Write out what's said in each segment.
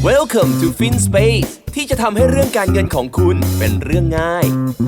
Welcome to FinSpace ที่จะทำให้เรื่องการเงินของคุณเป็นเรื่องง่าย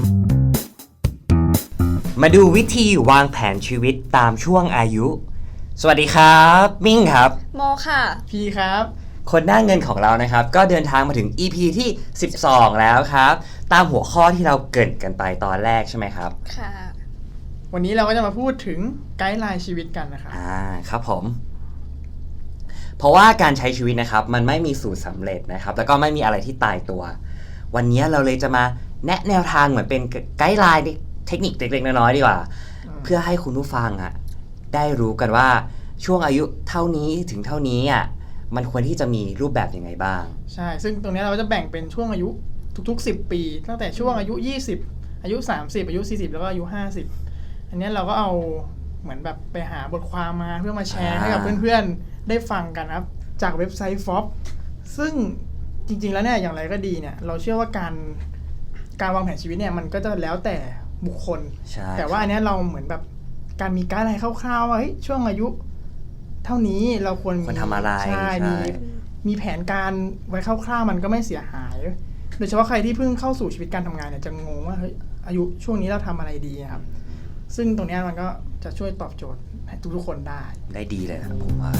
มาดูวิธีวางแผนชีวิตตามช่วงอายุ สวัสดีครับมิ่งครับโมค่ะพี่ครับคนหน้าเงินของเรานะครับก็เดินทางมาถึง EP ที่12แล้วครับตามหัวข้อที่เราเกริ่นกันไปตอนแรกใช่ไหมครับค่ะวันนี้เราก็จะมาพูดถึงไกด์ไลน์ชีวิตกันนะครับครับผมเพราะว่าการใช้ชีวิตนะครับมันไม่มีสูตรสำเร็จนะครับแล้วก็ไม่มีอะไรที่ตายตัววันนี้เราเลยจะมาแนะแนวทางเหมือนเป็นไกด์ไลน์เทคนิคเล็กๆน้อยๆดีกว่าเพื่อให้คุณผู้ฟังได้รู้กันว่าช่วงอายุเท่านี้ถึงเท่านี้มันควรที่จะมีรูปแบบยังไงบ้างใช่ซึ่งตรงนี้เราจะแบ่งเป็นช่วงอายุทุกๆ10ปีตั้งแต่ช่วงอายุ20อายุ30อายุ40แล้วก็อายุ50อันนี้เราก็เอาเหมือนแบบไปหาบทความมาเพื่อมาแชร์ให้กับเพื่อนๆได้ฟังกันครับจากเว็บไซต์ FOB ซึ่งจริงๆแล้วเนี่ยอย่างไรก็ดีเนี่ยเราเชื่อว่าการวางแผนชีวิตเนี่ยมันก็จะแล้วแต่บุคคลแต่ว่าอันนี้เราเหมือนแบบการมีไกด์ไลน์คร่าวๆว่าช่วงอายุเท่านี้เราควรทำอะไรใช่มีแผนการไว้คร่าวๆมันก็ไม่เสียหายโดยเฉพาะใครที่เพิ่งเข้าสู่ชีวิตการทำงานเนี่ยจะงงว่าเฮ้ยอายุช่วงนี้เราทำอะไรดีครับซึ่งตรงนี้มันก็จะช่วยตอบโจทย์ให้ทุกๆคนได้ดีเลยนะผมว่า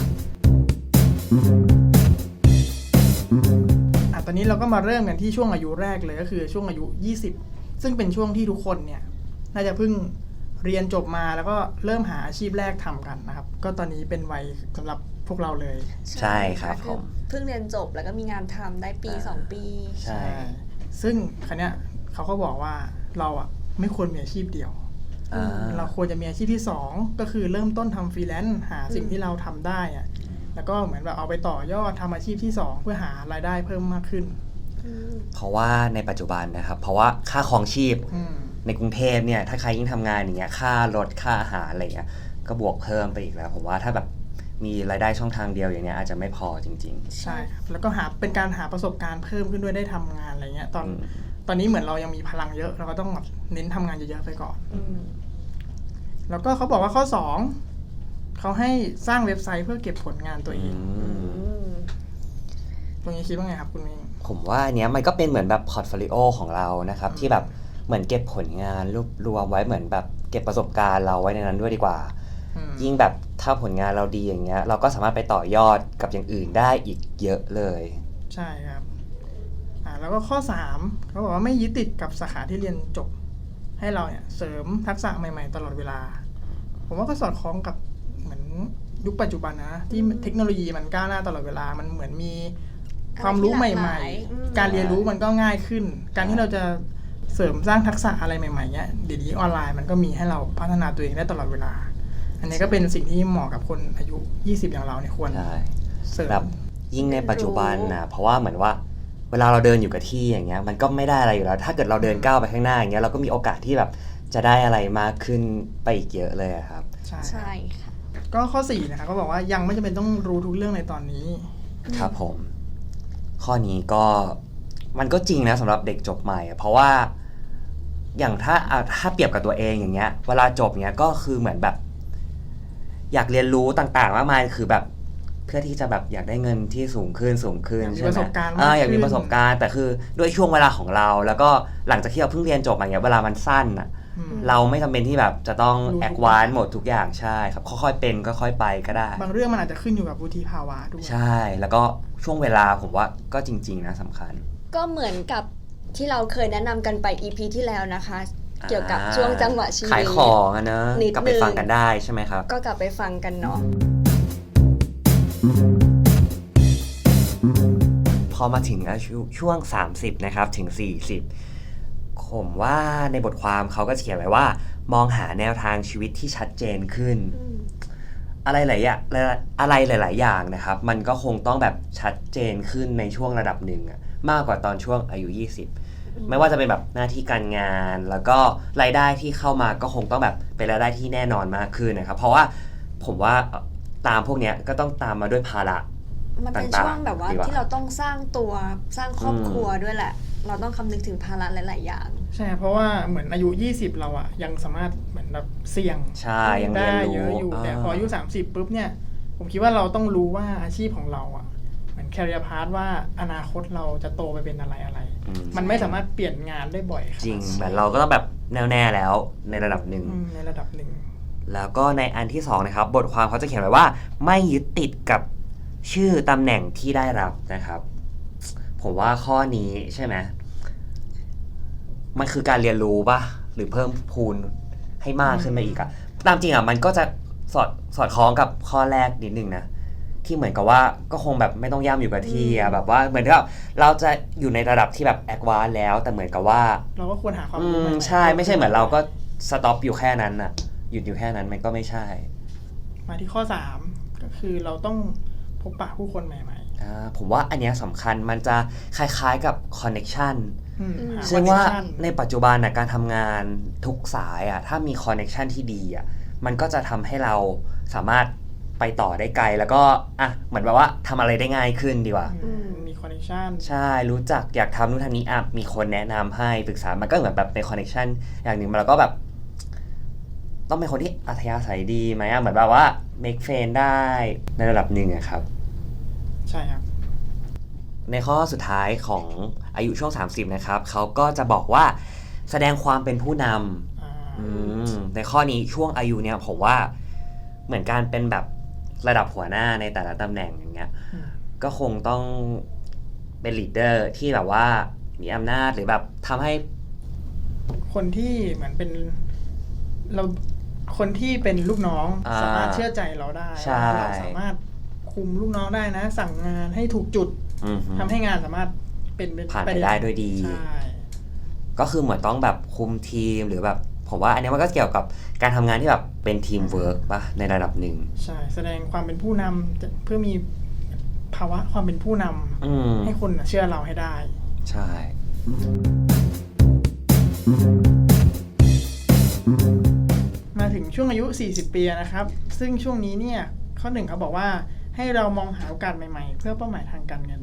ตอนนี้เราก็มาเริ่มกันที่ช่วงอายุแรกเลยก็คือช่วงอายุ20ซึ่งเป็นช่วงที่ทุกคนเนี่ยน่าจะเพิ่งเรียนจบมาแล้วก็เริ่มหาอาชีพแรกทำกันนะครับก็ตอนนี้เป็นวัยสำหรับพวกเราเลยใช่ครับผมเพิ่งเรียนจบแล้วก็มีงานทำได้ปี2ปีใช่ซึ่งครั้งเนี้ยเขาก็บอกว่าเราไม่ควรมีอาชีพเดียวเราควรจะมีอาชีพที่2ก็คือเริ่มต้นทำฟรีแลนซ์หาสิ่งที่เราทำได้แล้วก็เหมือนแบบเอาไปต่อยอดทำอาชีพที่2เพื่อหารายได้เพิ่มมากขึ้นเพราะว่าในปัจจุบันนะครับเพราะว่าค่าครองชีพในกรุงเทพเนี่ยถ้าใครยิ่งทำงานอย่างเงี้ยค่ารถค่าอาหารอะไรเงี้ยก็บวกเพิ่มไปอีกแล้วผมว่าถ้าแบบมีรายได้ช่องทางเดียวอย่างเงี้ยอาจจะไม่พอจริงๆใช่ครับแล้วก็เป็นการหาประสบการณ์เพิ่มขึ้นด้วยได้ทำงานอะไรเงี้ยตอนนี้เหมือนเรายังมีพลังเยอะเราก็ต้องเน้นทำงานเยอะๆไปก่อนแล้วก็เขาบอกว่าข้อ2เขาให้สร้างเว็บไซต์เพื่อเก็บผลงานตัวเองตรงนี้คิดว่าไงครับคุณมิ้งผมว่าอันเนี้ยมันก็เป็นเหมือนแบบพอร์ตโฟลิโอของเรานะครับที่แบบเหมือนเก็บผลงานรวบรวมไว้เหมือนแบบเก็บประสบการณ์เราไว้ในนั้นด้วยดีกว่ายิ่งแบบถ้าผลงานเราดีอย่างเงี้ยเราก็สามารถไปต่อยอดกับอย่างอื่นได้อีกเยอะเลยใช่ครับแล้วก็ข้อ3เขาบอกว่าไม่ยึดติดกับสาขาที่เรียนจบให้เราเนี่ยเสริมทักษะใหม่ๆตลอดเวลาผมว่าก็สอดคล้องกับเหมือนยุคปัจจุบันนะที่เทคโนโลยีมันก้าวหน้าตลอดเวลามันเหมือนมีความรู้ใหม่ๆการเรียนรู้มันก็ง่ายขึ้นการที่เราจะเสริมสร้างทักษะอะไรใหม่ๆเนี่ยเดี๋ยวนี้ออนไลน์มันก็มีให้เราพัฒนาตัวเองได้ตลอดเวลาอันนี้ก็เป็นสิ่งที่เหมาะกับคนอายุ20อย่างเราเนี่ยควรเสริมแบบยิ่งในปัจจุบันนะเพราะว่าเหมือนว่าเวลาเราเดินอยู่กับที่อย่างเงี้ยมันก็ไม่ได้อะไรอยู่แล้วถ้าเกิดเราเดินก้าวไปข้างหน้าอย่างเงี้ยเราก็มีโอกาสที่แบบจะได้อะไรมากขึ้นไปอีกเยอะเลยครับใช่ค่ะก็ข้อ4นะคะเขาบอกว่ายังไม่จำเป็นต้องรู้ทุกเรื่องในตอนนี้ครับผมข้อนี้ก็มันก็จริงนะสำหรับเด็กจบใหม่เพราะว่าอย่างถ้าเปรียบกับตัวเองอย่างเงี้ยเวลาจบเงี้ยก็คือเหมือนแบบอยากเรียนรู้ต่างๆมากมายคือแบบเพื่อที่จะแบบอยากได้เงินที่สูงขึ้นใช่ไหมอยากมีประสบการณ์แต่คือด้วยช่วงเวลาของเราแล้วก็หลังจากที่เราเพิ่งเรียนจบอย่างเงี้ยเวลามันสั้นเราไม่จำเป็นที่แบบจะต้องแอดวานซ์หมดทุกอย่างใช่ครับค่อยๆเป็นค่อยๆไปก็ได้บางเรื่องมันอาจจะขึ้นอยู่กับวุฒิภาวะด้วยใช่แล้วก็ช่วงเวลาผมว่าก็จริงๆนะสำคัญก็เหมือนกับที่เราเคยแนะนำกันไป EP ที่แล้วนะคะเกี่ยวกับช่วงจังหวะชีวิตขายของนะกลับไปฟังกันได้ใช่ไหมครับก็กลับไปฟังกันเนาะพอมาถึงอายุช่วง30นะครับถึง40ผมว่าในบทความเขาก็เขียนไว้ว่ามองหาแนวทางชีวิตที่ชัดเจนขึ้นอะไรหลายอย่างนะครับมันก็คงต้องแบบชัดเจนขึ้นในช่วงระดับหนึ่งมากกว่าตอนช่วงอายุ20ไม่ว่าจะเป็นแบบหน้าที่การงานแล้วก็รายได้ที่เข้ามาก็คงต้องแบบเป็นรายได้ที่แน่นอนมากขึ้นนะครับเพราะว่าผมว่าตามพวกนี้ก็ต้องตามมาด้วยภาระมันเป็นช่วงแบบว่าที่เราต้องสร้างครอบครัวด้วยแหละเราต้องคำนึงถึงภาระหลายๆอย่างใช่เพราะว่าเหมือนอายุ20เรายังสามารถเหมือนแบบเสี่ยงยังได้เยอะอยู่แต่พออายุ30ปุ๊บเนี่ยผมคิดว่าเราต้องรู้ว่าอาชีพของเราเหมือนแคริเอร์พาธว่าอนาคตเราจะโตไปเป็นอะไรมมันไม่สามารถเปลี่ยนงานได้บ่อยขนาดจริงนั้นแบบเราก็ต้องแบบแน่ๆแล้วในระดับหนึ่งในระดับหนึ่งแล้วก็ในอันที่2นะครับบทความเขาจะเขียนไว้ว่าไม่ยึดติดกับชื่อตำแหน่งที่ได้รับนะครับ ผมว่าข้อนี้ใช่ไหมมันคือการเรียนรู้ป่ะหรือเพิ่มพูนให้มากขึ้นมาอีกอะตามจริงอะมันก็จะสอดคล้องกับข้อแรกนิดนึงนะที่เหมือนกับว่าก็คงแบบไม่ต้องย่ำอยู่กับที่อะแบบว่าเหมือนกับเราจะอยู่ในระดับที่แบบแอดวานซ์แล้วแต่เหมือนกับว่าเราก็ควรหาความรู้ใหม่ๆใช่ไม่ใช่เหมือนเราก็สต็อปอยู่แค่นั้นอะหยุดอยู่แค่นั้นมันก็ไม่ใช่มาที่ข้อ 3 ก็คือเราต้องพบปะผู้คนใหม่ผมว่าอันเนี้ยสำคัญมันจะคล้ายๆกับคอนเน็ชันหซึ่งว่า connection ในปัจจุบันนะการทำงานทุกสายถ้ามีคอนเน็ชันที่ดีมันก็จะทำให้เราสามารถไปต่อได้ไกลแล้วก็เหมือนแบบว่าทำอะไรได้ง่ายขึ้นดีกว่ามีคอนเนคชั่นใช่รู้จักอยากทำนู่นทำนี้มีคนแนะนำให้ปรึกษามันก็เหมือนแบบเป็นคอนเน็ชันอย่างหนึ่งแล้วก็แบบต้องเป็นคนที่อัธยาศัยดีไหมเหมือนแบบว่า make friend ได้ในระดับหนึ่งครับใช่ครับในข้อสุดท้ายของอายุช่วง 30 นะครับเขาก็จะบอกว่าแสดงความเป็นผู้นำในข้อนี้ช่วงอายุเนี่ยผมว่าเหมือนการเป็นแบบระดับหัวหน้าในแต่ละตำแหน่งอย่างเงี้ยก็คงต้องเป็นลีดเดอร์ที่แบบว่ามีอำนาจหรือแบบทำให้คนที่เหมือนเป็นเราคนที่เป็นลูกน้องสามารถเชื่อใจเราได้ใช่เราสามารถคุมลูกน้องได้นะ สั่งงานให้ถูกจุด ทำให้งานสามารณ์เป็นผ่านไปได้ด้วยดีใช่ก็คือเหมือนต้องแบบคุมทีมหรือแบบผมว่าอันนี้มันก็เกี่ยวกับการทำงานที่แบบเป็นทีมเวิร์กป่ะในระดับหนึ่งใช่แสดงความเป็นผู้นำเพื่อมีภาวะความเป็นผู้นำให้คนเชื่อเราให้ได้ใช่มาถึงช่วงอายุ 40 ปีนะครับ ซึ่งช่วงนี้เนี่ยข้อหนึ่งเขาบอกว่าให้เรามองหาโอกาสใหม่ๆ เพื่อเป้าหมายทางการเงิน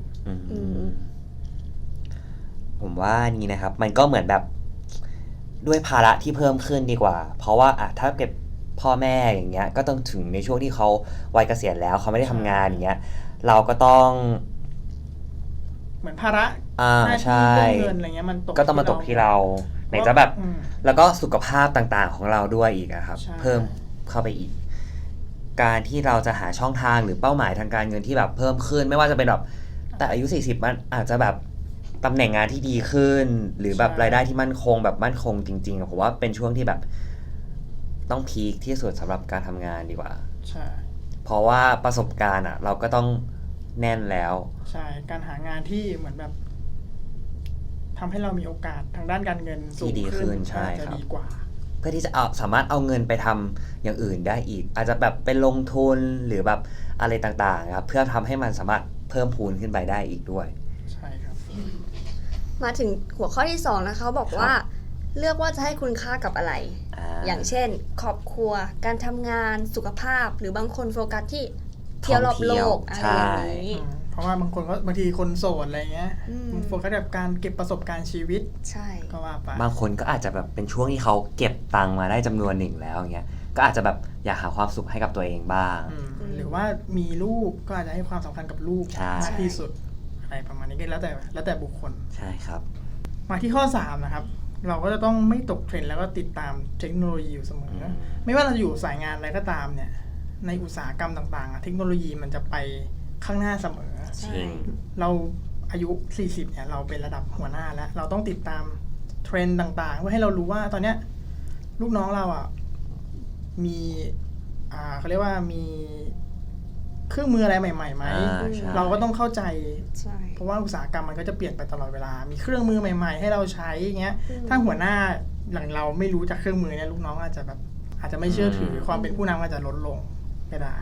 ผมว่านี่นะครับมันก็เหมือนแบบด้วยภาระที่เพิ่มขึ้นดีกว่า เพราะว่าถ้าเก็บพ่อแม่อย่างเงี้ยก็ต้องถึงในช่วงที่เขาวัยเกษียณแล้วเขาไม่ได้ทำงานอย่างเงี้ยเราก็ต้องเหมือนภาระหน้าใช่ที่เรื่องเงินอะไรเงี้ยมันตกก็ต้องมาตกที่เราไหนจะแบบอืมแล้วก็สุขภาพต่างๆของเราด้วยอีกครับใช่เพิ่มเข้าไปอีก การที่เราจะหาช่องทางหรือเป้าหมายทางการเงินที่แบบเพิ่มขึ้นไม่ว่าจะเป็นแบบแต่อายุ 40 มันอาจจะแบบตำแหน่งงานที่ดีขึ้น หรือแบบรายได้ที่มั่นคงแบบมั่นคงจริงๆผมว่าเป็นช่วงที่แบบต้องพีคที่สุดสำหรับการทำงานดีกว่าใช่เพราะว่าประสบการณ์เราก็ต้องแน่นแล้วใช่การหางานที่เหมือนแบบทำให้เรามีโอกาสทางด้านการเงินสูงที่ดีขึ้ขึ้นนใช่อาจจะครับดีกว่าเพื่อที่จะสามารถเอาเงินไปทำอย่างอื่นได้อีก อาจจะแบบเป็นลงทุนหรือแบบอะไรต่างๆครับเพื่อทำให้มันสามารถเพิ่มพูนขึ้นไปได้อีกด้วยใช่ครับมาถึงหัวข้อที่ 2 นะคะบอกว่าเลือกว่าจะให้คุณค่ากับอะไร อย่างเช่นครอบครัวการทำงานสุขภาพหรือบางคนโฟกัสที่เที่ยวรอบโลกอะไรอย่างนี้เพราะว่าบางคนก็บางทีคนโสดอะไรเงี้ยอืมโฟกัสแบบการเก็บประสบการณ์ชีวิตใช่ก็ว่าไปบางคนก็อาจจะแบบเป็นช่วงที่เขาเก็บตังค์มาได้จำนวนหนึ่งแล้วอย่างเงี้ยก็อาจจะแบบอยากหาความสุขให้กับตัวเองบ้างหรือว่ามีลูกก็อาจจะให้ความสำคัญกับลูกใช่มากที่สุดอะไรประมาณนี้ก็แล้วแต่บุคคลใช่ครับมาที่ข้อ 3 นะครับ เราก็จะต้องไม่ตกเทรนด์แล้วก็ติดตามเทคโนโลยีอยู่เสมอ ไม่ว่าเราอยู่สายงานอะไรก็ตามเนี่ย ในอุตสาหกรรมต่างๆเทคโนโลยีมันจะไปข้างหน้าเสมอใช่เราอายุ 40 เนี่ย เราเป็นระดับหัวหน้าแล้ว เราต้องติดตามเทรนด์ต่างๆ เพื่อให้เรารู้ว่าตอนเนี้ยลูกน้องเรามีเขาเรียกว่ามีเครื่องมืออะไรใหม่ๆไหมใช่เราก็ต้องเข้าใจใช่เพราะว่าอุตสาหกรรมมันก็จะเปลี่ยนไปตลอดเวลา มีเครื่องมือใหม่ๆ ให้เราใช้อย่างเงี้ย ถ้าหัวหน้าอย่างเราไม่รู้จักเครื่องมือเนี่ยลูกน้องอาจจะไม่เชื่อถือความเป็นผู้นำอาจจะลดลงก็ได้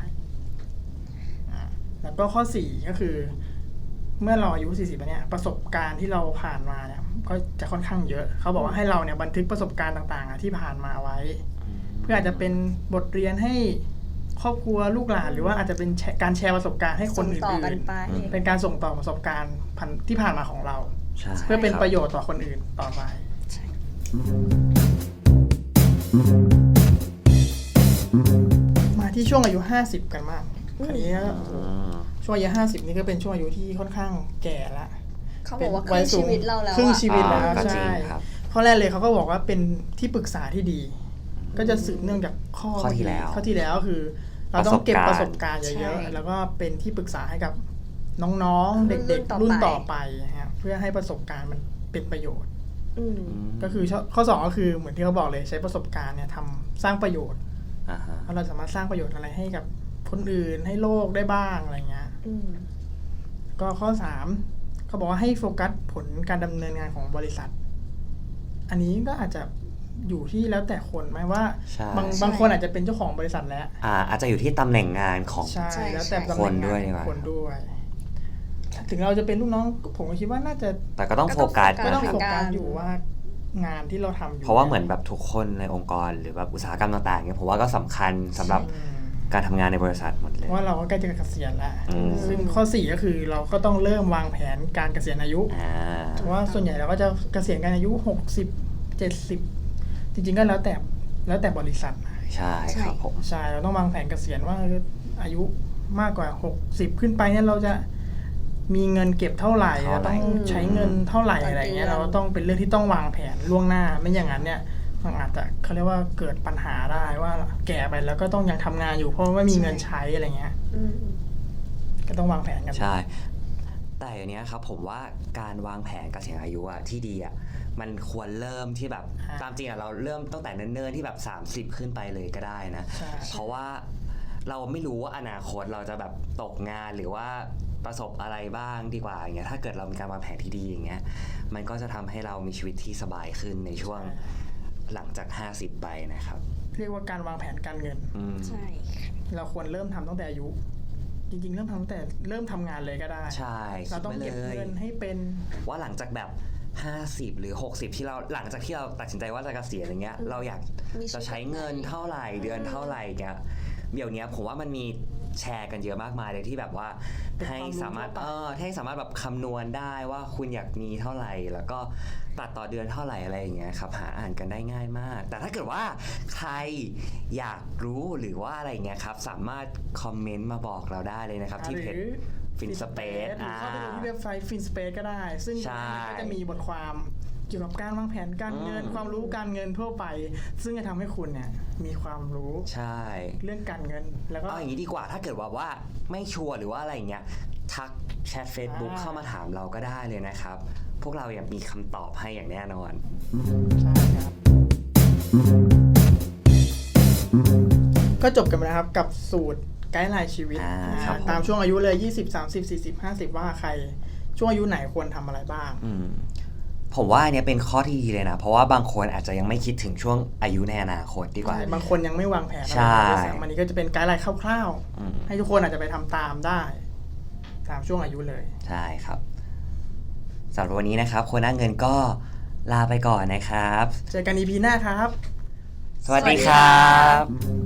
แล้วก็ข้อ 4 ก็คือ เมื่อเราอายุ 40แล้วเนี่ยประสบการณ์ที่เราผ่านมาเนี่ยก็จะค่อนข้างเยอะ เขาบอกว่าให้เราเนี่ยบันทึกประสบการณ์ต่างๆที่ผ่านมาไว้ เพื่ออาจจะเป็นบทเรียนให้ครอบครัวลูกหลานหรือว่าอาจจะเป็นการแชร์ประสบการณ์ให้คนส่งอื่ต่อกันนไปๆเป็นการส่งต่อประสบการณ์ที่ผ่านมาของเราใช่เพื่อเป็นคบประโยชน์ต่อคนอื่นต่อไปใช่มาที่ช่วงอายุ 50 กันมากอันนี้ช่วงอายุ50นี่ก็เป็นช่วงอายุที่ค่อนข้างแก่ละเขาบอกว่าครึ่งชีวิตเราแล้วครึ่งอะชีวิตแล้วก็จริงใช่ครับข้อแรกเลยเขาก็บอกว่าเป็นที่ปรึกษาที่ดี ก็จะสืบเนื่องจากข้อที่แล้วข้อที่แล้วคือ เราต้องเก็บประสบการณ์ใช่เยอะๆแล้วก็เป็นที่ปรึกษาให้กับน้องๆ เด็กๆรุ่นต่อไปฮะเพื่อให้ประสบการณ์มันเป็นประโยชน์อืมก็คือข้อ2ก็คือเหมือนที่เขาบอกเลยใช้ประสบการณ์เนี่ยทำสร้างประโยชน์อ่าฮะว่าเราสามารถสร้างประโยชน์อะไรให้กับคนอื่นให้โลกได้บ้างอะไรเงี้ยอืมก็ข้อ3เขาบอกว่าให้โฟกัสผลการดำเนินงานของบริษัท อันนี้ก็อาจจะอยู่ที่แล้วแต่คนไหมว่าใช่บางคนอาจจะเป็นเจ้าของบริษัทแล้วอาจจะอยู่ที่ตำแหน่งงานของใช่ใช่แล้วแต่ตำแหคน่นงด้วยงานดีกขว่าองคนด้วย ถึงเราจะเป็นลูกน้องผมก็คิดว่าน่าจะแต่ก็ต้องโฟกัสก็ก็ต้ต้ออง งโฟโฟกักัสสอยู่ว่างานที่เราทำอยู่เพราะว่าเหมือนแบบทุกคนในองค์กรหรือแบบอุตสาหกรรมต่างๆเนี่ยผมว่าก็สำคัญสำหรับอืมการทำงานในบริษัทหมดเลเพยราะว่าเราก็ใกล้จะเกษียณแล้วอืมซึ่งข้อ4ก็คือเราก็ต้องเริ่มวางแผนการเกษียณอายุ เพราะว่าส่วนใหญ่เราก็จะเกษียณกันอายุ60 70จริงๆก็แล้วแต่บริษัทนะใช่ครับผมใช่เราต้องวางแผนเกษียณว่าอายุมากกว่า60ขึ้นไปเนี่ยเราจะมีเงินเก็บเท่าไหร่เราต้องใช้เงินเท่าไหร่อะไรเงี้ยเราต้องเป็นเรื่องที่ต้องวางแผนล่วงหน้าไม่อย่างนั้นเนี่ยมันอาจจะเขาเรียกว่าเกิดปัญหาได้ว่าแก่ไปแล้วก็ต้องยังทำงานอยู่เพราะว่าไม่มีเงินใช้อะไรเงี้ยอืมก็ต้องวางแผนกันใช่ แต่อย่างเนี้ยครับผมว่าการวางแผนเกษียณอายุอะที่ดีอะมันควรเริ่มที่แบบตามจริงอะเราเริ่มตั้งแต่เนิ่นๆที่แบบ30ขึ้นไปเลยก็ได้นะใช่เพราะว่าเราไม่รู้ว่าอนาคตเราจะแบบตกงานหรือว่าประสบอะไรบ้างดีกว่าอย่างเงี้ยถ้าเกิดเรามีการวางแผนที่ดีอย่างเงี้ยมันก็จะทำให้เรามีชีวิตที่สบายขึ้นในช่วงหลังจาก50ไปนะครับเรียกว่าการวางแผนการเงินอืมใช่ค่ะเราควรเริ่มทำตั้งแต่อายุ จริงๆเริ่มทำตั้งแต่เริ่มทำงานเลยก็ได้ใช่เราต้องคิดเก็บไว้เลยเงินให้เป็นว่าหลังจากแบบ50หรือ60ที่เราหลังจากที่เราตัดสินใจว่าจะเกษียณอย่างเงี้ยเราอยากมีชีวิตจะใช้เงินเท่าไหร่เดือนเท่าไหร่เงี้ยเดี๋ยวนี้ผมว่ามันมีแชร์กันเยอะมากมายเลยที่แบบว่าเป็นให้ความรู้สามารถทั่วไปให้สามารถแบบคำนวณได้ว่าคุณอยากมีเท่าไหร่ แล้วก็ตัดต่อเดือนเท่าไหร่อะไรอย่างเงี้ยครับหาอ่านกันได้ง่ายมาก แต่ถ้าเกิดว่าใครอยากรู้หรือว่าอะไรเงี้ยครับสามารถคอมเมนต์มาบอกเราได้เลยนะครับที่เพจ FinSpace หรือเข้าไปดูที่เว็บไซต์ FinSpace ก็ได้ ซึ่งใช่ก็จะมีบทความเกี่ยวกับการวางแผนการเงิน ความรู้การเงินทั่วไป ซึ่งจะทำให้คุณเนี่ยมีความรู้ใช่เรื่องการเงิน แล้วก็เอาอย่างนี้ดีกว่าถ้าเกิดว่าไม่ชัวร์หรือว่าอะไรอย่างเงี้ยทักแชท Facebook เข้ามาถามเราก็ได้เลยนะครับ พวกเราอยากมีคำตอบให้อย่างแน่นอนใช่ครับ ก็จบกันไปแล้วครับกับสูตรไกด์ไลน์ชีวิตครับตามช่วงอายุเลย 20 30 40 50 ว่าใครช่วงอายุไหนควรทำอะไรบ้างผมว่าอันเนี้ยเป็นข้อที่ดีเลยนะ เพราะว่าบางคนอาจจะยังไม่คิดถึงช่วงอายุในอนาคตดีกว่าบางคนยังไม่วางแผนอะไรใช่ด้วยซ้ำอันนี้ก็จะเป็นไกด์ไลน์คร่าวอืมๆ ให้ทุกคนอาจจะไปทำตามได้ตามช่วงอายุเลยใช่ครับสำหรับวันนี้นะครับคนหน้าเงินก็ลาไปก่อนนะครับเจอกัน EP หน้าครับสวัสดีครับ